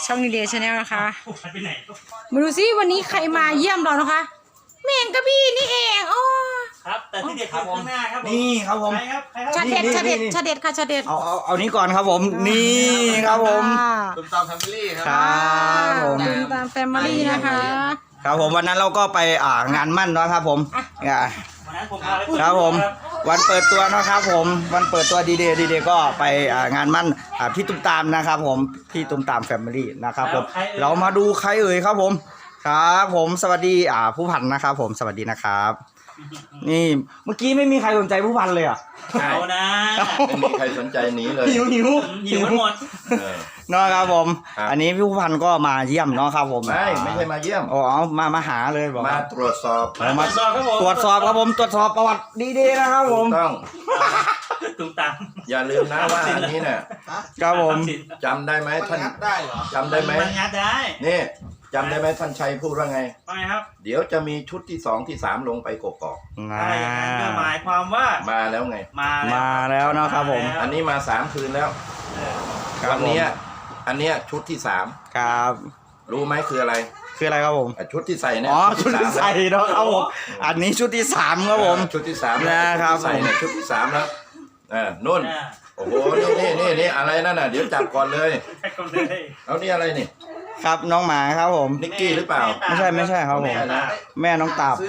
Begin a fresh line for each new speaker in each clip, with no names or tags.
ช่องดีเดย์ชาแนลนะคะมาดูซิวันนี้ใครมาเยี่ยมเรานะคะแมงกะบี้นี่เองโอ้
ครับแต่ที่เด็ดคือข้างหน้าครับผม
นี่ครับผม
ใครครับ
ชาเด็ดชาเด็ดชาเด็ดค่ะชาเด็ด
เอานี้ก่อนครับผมนี่ครับผม
ตุ้มตามแฟมิลี่ค
ค
รั
รับผม
ตุ้มตามแฟมิลี่นะคะ
ครับผมวันนั้นเราก็ไปงานมั่นเนาะครับผม
วันนั้นผมพาไป
ครับผมวันเปิดตัวนะครับผมวันเปิดตัวดีเดย์ก็ไปงานมั่นพี่ตุ้มตามนะครับผมพี่ตุ้มตามแฟมิลี่นะครับผมเรามาดูใครเอ่ยครับผมครับผมสวัสดีผู้พันนะครับผมสวัสดีนะครับนี่เมื่อกี้ไม่มีใครสนใจผู้พันเลยอ่ะ
เอานะ
ไม่มีใครสนใจหนีเลย
หิว
หมด
เนาะครับผมอันนี้พี่ผู้พันก็มาเยี่ยมเนาะครับผม
ไม่ใช่มาเยี่ยม
เอามาหาเลยบอก
มาตรวจสอบ
มาตรวจสอบครับผมตรวจสอบประวัติดีๆนะครับผม
ต้อง
ตุ้มตาม
อย่าลืมนะว่าอันนี้เนี่ย
ครับผม
จำได้ไหมท่านจำได้ไหม
มันงัดได้
นี่จำได้ไหมท่านชัยพูดว่าไง
ครับ
เดี๋ยวจะมีชุดที่2ที่3ลงไปกกอก
ใช่หมายความว่า
มาแล้วไง
มาแล้วนะครับผม
อันนี้มา3คืนแล้ววันนี้อันเนี้ยชุดที่3
ครับ
รู้ไหมคืออะไร
ครับผม
ชุดที่ใส่เนี่ย
ชุดที่ใส่เนาะครับผมอันนี้ชุดที่3ครับผม
ชุดที่3
นะครับ
ใส่เนี่ยชุดที่3แล้วนุ่นโอ้โหนี่อะไรนั่นน่ะเดี๋ยวจับก่อนเลยเอานี่อะไรนี่
ครับน้องหมาครับผม
นิกกี้หรือเปล่า
ไม่ใช่ครับผมแม่น้องตาบ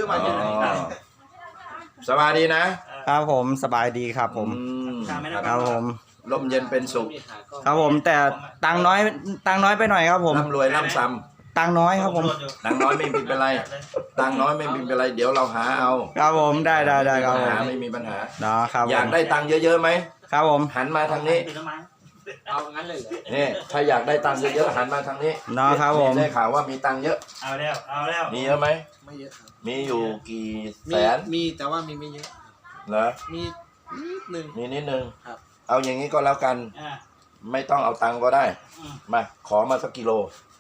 สบายดีนะครับ
ผมสบายดีครับผมครับผม
ลมเย็นเป็นสุข
ครับผมแต่ตังน้อยไปหน่อยครับผม
ร่ำรวยร่ำซ้
ำตังน้อยครับผม
ตังน้อยไม่เป็นไรตังน้อยไม่เป็นไรเดี๋ยวเราหาเอา
ครับผมได้ครับผม
ไม่มีปัญหา
นะครับ
อยากได้ตังเยอะๆไหม
ครับผม
หันมาทางนี้
เอางั้นเลย
นี่ถ้าอยากได้ตังค์เยอะๆหันมาทางนี้
นะครับผม
ได้ข่าวว่ามีตังค์เยอะ
เอาแล้ว
มีเยอะไหม
ไม่เยอะครับ
มีอยู่กี่แสน
มีแต่ว่ามีไม่เยอะ
เหรอ
มี
นิดนึงเอาอย่างนี้ก็แล้วกันไม่ต้องเอาตังค์ก็ได้มาขอมาสักกิโล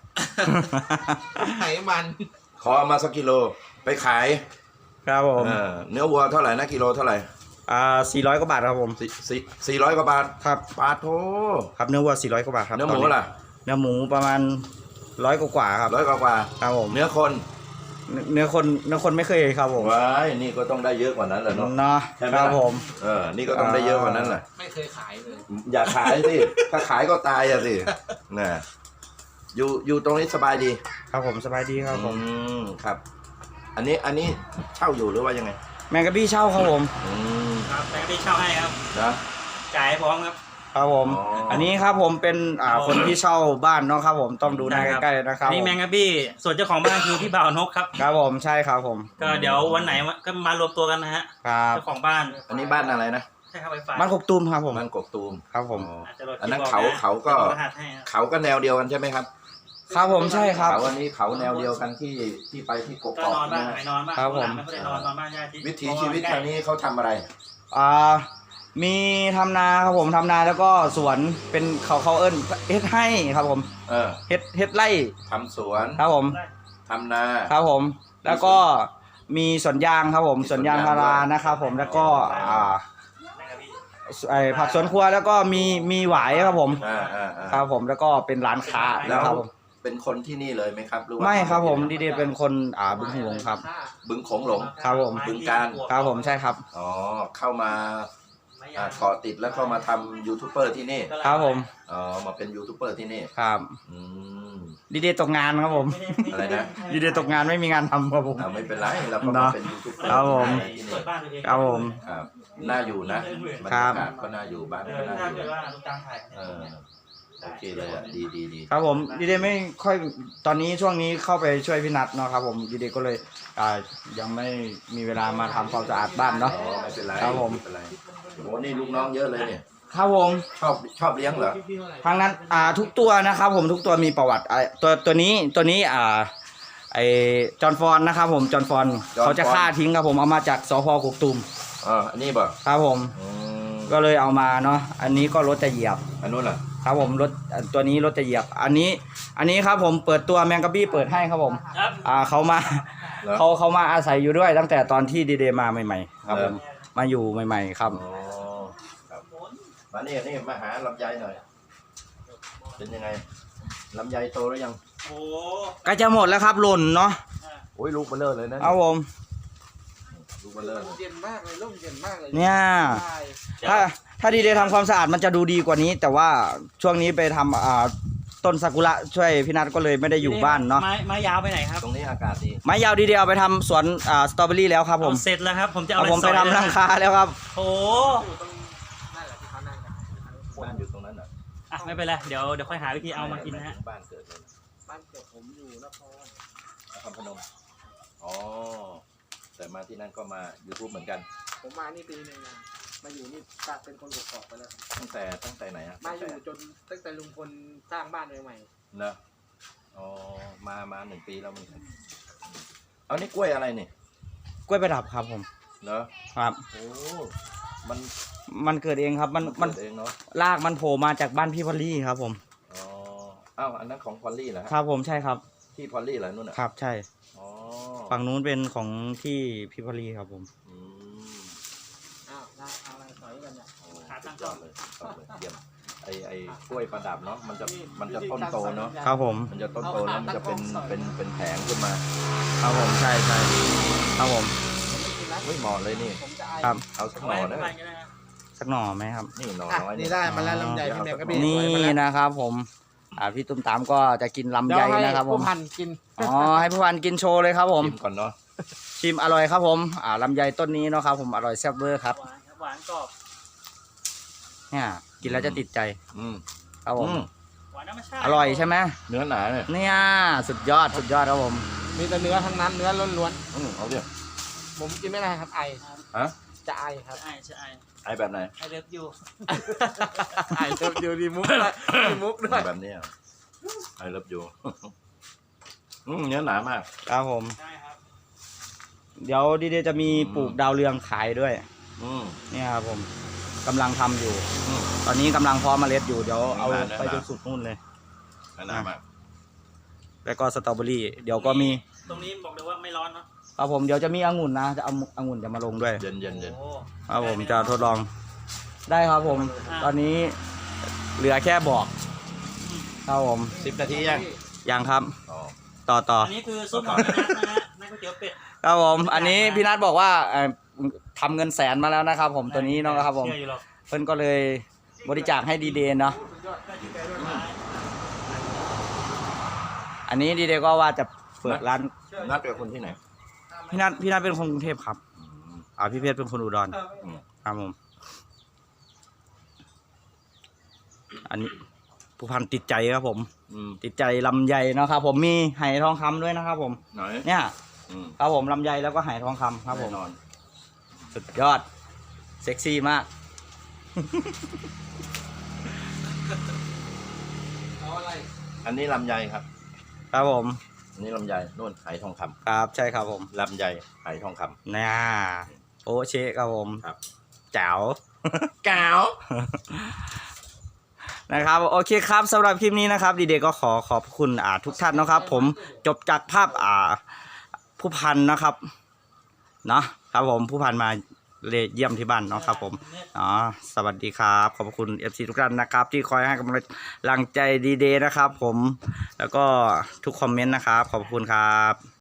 ไขมัน
ขอมาสักกิโลไปขาย
ครับผม
เนื้อวัวเท่าไหร่นะกิโลเท่าไหร่
400 กว่าบาทครับผม
400 กว่าบาท
ครับ
ปาโถ
ครับเนื้อวัว400 กว่าบาทครับ
เนื้อหมูล่ะ
เนื้อหมูประมาณ100 กว่าครับ
100 กว่า
ครับผม
เนื้อ
คนไม่เคยครับผม
ว้ายนี่ก็ต้องได้เยอะกว่านั้นแหละเนาะ
ครับผม
นี่ก็ต้องได้เยอะกว่านั้นแหละ
ไม่เคยขายเลย
อย่าขายสิถ้าขายก็ตายสิน่ะอยู่ตรงนี้สบายดี
ครับผมสบายดีครับผม
ครับอันนี้เช่าอยู่หรือว่ายังไง
แมงกะบี้เช่าครับผม
ครับแมงกะบี้เช่าให้ครับ
นะ
จ่ายพร้อมครับ
ครับผมอันนี้ครับผมเป็นคนที่เช่าบ้านเนาะครับผมต้องดูหน้าใกล้ๆนะครับ
นี่แมงกะบี้ส่วนเจ้าของบ้านคือพี่บ่าวนกครับ
ครับผมใช่ครับผม
ก็เดี๋ยววันไหนก็มารวมตัวกันนะฮะเจ้าของบ้าน
อันนี้บ้านอะไรนะ
ใช่ครับไฟฟ้า
บ้านกกตูมครับผม
บ้านกกตูม
ครับผม
อันนั้นเขาก็แนวเดียวกันใช่ไหมครับ
ครับผมใช่ครับ
เขาอันนี้เขาแนวเดียวกันที่ไปที่กกอก
นะ
ครับผม
วิถีชีวิตทางนี้เขาทำอะไร
มีทำนาครับผมทำนาแล้วก็สวนเป็นเขาเอิ้นเฮ็ดให้ครับผมเฮ็ดไร่
ทำสวน
ครับผม
ทำนา
ครับผมแล้วก็มีสวนยางครับผมสวนยางพารานะครับผมแล้วก็ผักสวนครัวแล้วก็มีหวายครับผมครับผมแล้วก็เป็นร้านค้าแล้วครับผม
เป็นคนที่นี่เลยไหมครับหรือว่า
ไม่ครับผมดีๆเป็นคนบึงหลงครับ
บึงโขงหลง
ครับผม
บึงการ
ครับผมใช่ครับ
เข้ามาเกาะติดแล้วก็มาทำยูทูบเบอร์ที่นี่
ครับผม
มาเป็นยูทูบเบอร์ที่นี่
ครับดีๆตกงานครับผม
อะไรนะ
ดีๆตกงานไม่มีงานทำครับผม
ไม่เป็นไรเราก็มาเป็นยูทูบเบอร์
ครับผมครับผม
ครับน่าอยู่นะบรรยากาศก็น่าอยู่บ้านก็น่าอยู่โอเคเลยดี
ครับผมดีๆไม่ค่อยตอนนี้ช่วงนี้เข้าไปช่วยพี่นัทเนาะครับผมดีๆก็เลยยังไม่มีเวลามาทำความสะอาดบ้านเนาะ
ไม่เป็นไร
ครับผม
โอ้นี่ลูกน้องเยอะเลยเนี่ย
ครับผม
ชอบเลี้ยงเหรอ
ทางนั้นทุกตัวนะครับผมทุกตัวมีประวัติตัวนี้ไอจอนฟอนนะครับผมจอนฟอนเขาจะฆ่าทิ้งครับผมเอามาจากสพ.กกตูม
อันนี้ป่ะ
ครับผมก็เลยเอามาเนาะอันนี้ก็รถจะเหยียบ
อันนู้นล่ะ
ครับผมรถตัวนี้รถจะเหยียบอันนี้ครับผมเปิดตัวแมงกะบี้เปิดให้ครับผมเขามาอาศัยอยู่ด้วยตั้งแต่ตอนที่ดีเดย์มาใหม่ๆครับผมมาอยู่ใหม่ๆครับ
มานี่มาหาลำไยหน่อยเป็นยังไงลำไยโตแล้วยัง
โอ้
ใกล้จะหมดแล้วครับหล่นเนาะ
โอ้ยลูกเบลเลอร์เลยนะ
เอาผม
ลูกเบลเลอร์เลย
เย็นมากเลยร่มเย็นมากเลย
เนี่ย
ใช่
ถ้าดีเดย์ทำความสะอาดมันจะดูดีกว่านี้ แต่ว่าช่วงนี้ไปทำต้นซากุระช่วยพี่นัทก็เลยไม่ได้อยู่บ้านเนาะ
ไม้ยาวไปไหนครับ
ตรงนี้อากาศดี
ไม้ยาวดีเดย์เอาไปทำสวนสตรอเบอรี่แล้วครับผม
เอาเสร็จแล้วครับ ผมจะเอา
เอา
อะไร
ผมไป
สอย
ทำรังคาแล้วครับ
โอ้
อยู่ตรงนั่นแหละที่เขานั่งกัน
บ้านอยู่ตรงนั้นเหรอ
อ่ะไม่เป็นไรเดี๋ยวค่อยหาวิธีเอามากินนะฮะ
บ้านเกิดเลยนะ
บ้านเกิดผมอยู่นคร
นครพนมอ๋อแต่มาที่นั่นก็มา YouTube เหมือนกัน
ผมมานี่ปีหนึงนะมาอยู่นี่กลายเป็นคนกกอกไปแล้ว
ตั้งแต่ไหนอะ
มาอยู่จนตั้งแต่ลุงพลสร้างบ้านใหม่
เนอะอ๋อมา1 ปีแล้วเหมือนกันเอานี่กล้วยอะไรนี่
กล้วยประดับครับผม
เนอะ
ครับ
โอ้มัน
มันเกิดเองครับมัน
เกิดเองเนาะ
รากมันโผล่มาจากบ้านพี่พอลลี่ครับผม
อ๋ออ้าวอันนั้นของพอลลี่เหรอ
ค
ฮะ
รับผมใช่ครับ
ที่พอลลี่เหรอนู่นอ่ะ
ครับใช่
อ๋อ
ฝั่งนู้นเป็นของที่พี่พอลลี่ครับผม
อืม
ๆอ้าวเอาอะไรสอยกันเนี่ย
โอ้สุดยอดเลยสุดยอดเลยเยี่ยมไอ้กล้วยประดับเนาะมันจะต้นโตเนาะ
ครับผม
มันจะต้นโตแล้วมันจะเป็นแผงขึ้นมา
ครับผมใช่ใช่ครับผม
ผมไม่กินแล้ว
เฮ้ยเหมาะเลยนี่
ผมจะไอ
ครับ
เอาสัก
เอา
ห
ไว้
น่อ
ให้
นะ
ผู้พันกันนะฮะ
สักหน่อไหมครับ
นี่หน่อ
อ่ะ
น้อย
นี่ได้มาแล้วลำไยพี่แมวก็พี่
นี่
สวยมาแล้ว
นะครับผมพี่ตุ้มตามก็จะกินลำ
เดี๋
ไย
ยวให้
นะครับผม
ผู้พันกิน
อ๋อให้ผู้พันกินโชว์เลยครับผม
ชิมก่อนเนาะ
ชิมอร่อยครับผมลำไยต้นนี้เนาะครับผมอร่อยแซ่บเวอร์ครับ
หวานครับหวานกรอบ
เนี่ยกินแล้วจะติดใจ
อืม
ครับผม
หวานธรรมชาติ
อร่อยใช่ไหม
เนื้อหนาเนี่ย
เนี่ยสุดยอดครับผม
มีแต่เนื้อทั้งนั้นเนื้อล้วน
เอาเดี๋ยว
ๆผมกินไม่ได้ครับไอ
ฮะ
จะไอครับ
ใช่ใช่
ไอแบบไหน
ไอเลิฟยู
ไอเติมเดียวดีมุกด้วยมีมุกด้วย
แบบนี้ไอเลิฟยูเนื้อหนามาก
ครับผม
ใช่ครับ
เดี๋ยวดีเดย์จะมีปลูกดาวเรืองขายด้วย
อืม
เนี่ยครับผมกำลังทำอยู่
อืม
ตอนนี้กำลังเพาะเมล็ดอยู่เดี๋ยวเอา
ได้
ไปจนสุดนู่นเลย
หนามาก
แล้วก็สตรอเบอรี่เดี๋ยวก็มี
ตรงนี้บอกเลยว่าไม่ร้อนเนาะ
ครับผมเดี๋ยวจะมีองุ่นนะจะเอาองุ่นจะมาลงด้วย
เย็นเย็นเย็น
โอ้
ครับผมจะทดลองได้ครับผม ตอนนี้เหลือแค่บอกครับผม
10 นาทียัง
ยังครับ
อ๋อ
ต่อ
อันนี้คือซุปของพี่นัทนะฮะนั่นก๋วยเตี๋ยวเป็ด
ครับผมอันนี้พี่นัทบอกว่าทำเงินแสนมาแล้วนะครับผมตัวนี้เนาะครับผม
เชื่ออยู่หรอก
เพิ่นก็เลยบริจาคให้ดีเดย์เนาะ
ก็ดีใจด้วยนะ
อันนี้ดีเดย์ก็ว่าจะเปิดร้าน
นัดกับคนที่ไหน
พี่นัทเป็นคนกรุงเทพครับ
อืม
พี่เพชรเป็นคนอุดร
อืม
ครับผมอันนี้ผู้พันติดใจครับผม
อืม
ติดใจลำไยเนาะครับผมมีไหทองคำด้วยนะครับผม
หน่อย
เนี่ย
อืม
ครับผมลำไยแล้วก็ไหทองคำครับผม
แน่นอน
สุดยอดเซ็กซี่มาก
เอาอะไร
อันนี้ลำไยครับ
ครับผม
อันนี้ลำไยนู่นไหทองคำ
ครับใช่ครับผม
ลำไยไหทองคำ
เนี่ยโอเชครับผม
ครับ
แจ๋ว
กาว
นะครับโอเคครับสำหรับคลิปนี้นะครับดีเดย์ก็ขอบคุณทุกท่านนะครับ ผมจบจากภาพผู้พันนะครับเนาะครับผมผู้พันมาเยี่ยมที่บ้านเนาะครับผมสวัสดีครับขอบคุณ FC ทุกท่านนะครับ ที่คอยให้กำลังใจดีเดย์นะครับ ผมแล้วก็ทุกคอมเมนต์นะครับขอบคุณครับ